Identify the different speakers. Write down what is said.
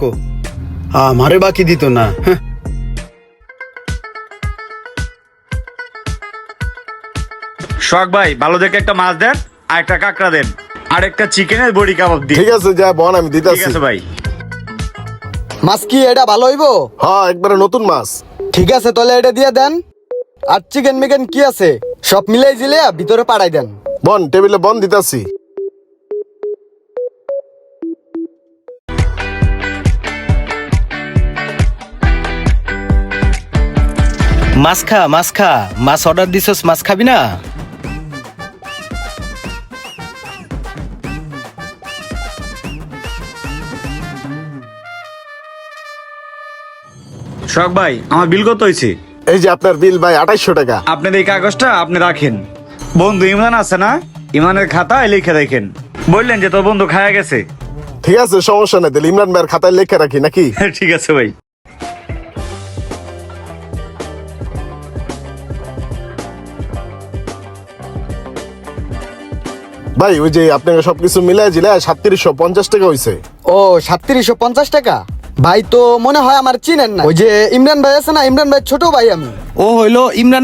Speaker 1: রাখো। আমারে বাকি দিত না। হ্যাঁ।
Speaker 2: শখ ভাই ভালো দেখে একটা মাছ দেন, আর একটা কাঁকড়া দেন, আর একটা চিকেনের বড়ি কাবাব দিন।
Speaker 3: ঠিক আছে যা বন আমি
Speaker 2: ঠিক
Speaker 3: দিতাছি।
Speaker 2: আছে ভাই।
Speaker 4: মাছ কি এটা ভালো হইবো?
Speaker 3: হ্যাঁ একবারে নতুন মাছ।
Speaker 4: ঠিক আছে তাহলে এটা দিয়ে দেন। আর চিকেন মিকেন কি আছে সব মিলাই জিলিয়া ভিতরে পাঠাই দেন।
Speaker 3: বন টেবিলে বন দিতাছি।
Speaker 5: মাছ খা মাছ অর্ডার দিছস, মাছ খাবি না?
Speaker 2: শখ ভাই আমার বিল কত হয়েছে?
Speaker 3: এই যে আপনার বিল ভাই 2800 টাকা।
Speaker 2: আপনার এই কাগজটা আপনি রাখেন। বন্ধু ইমরান আছে না, ইমানের খাতায় লিখে দেখেন। বললেন যে তোর বন্ধু খায়া গেছে।
Speaker 3: ঠিক আছে সমস্যা নাই, তাহলে ইমরান ভাইয়ের খাতায় লেখা রাখি নাকি?
Speaker 2: ঠিক আছে ভাই।
Speaker 3: ভাই ওই যে আপনাকে সবকিছু মিলাই জিলে 3750 টাকা হইছে।
Speaker 4: ও 3750 টাকা। ভাই তো মনে হয় আমার চিনেন না। ওই যে ইমরান ভাই আছে না, ইমরান ভাই ছোট ভাই আমি।
Speaker 5: ও হইলো ইমরান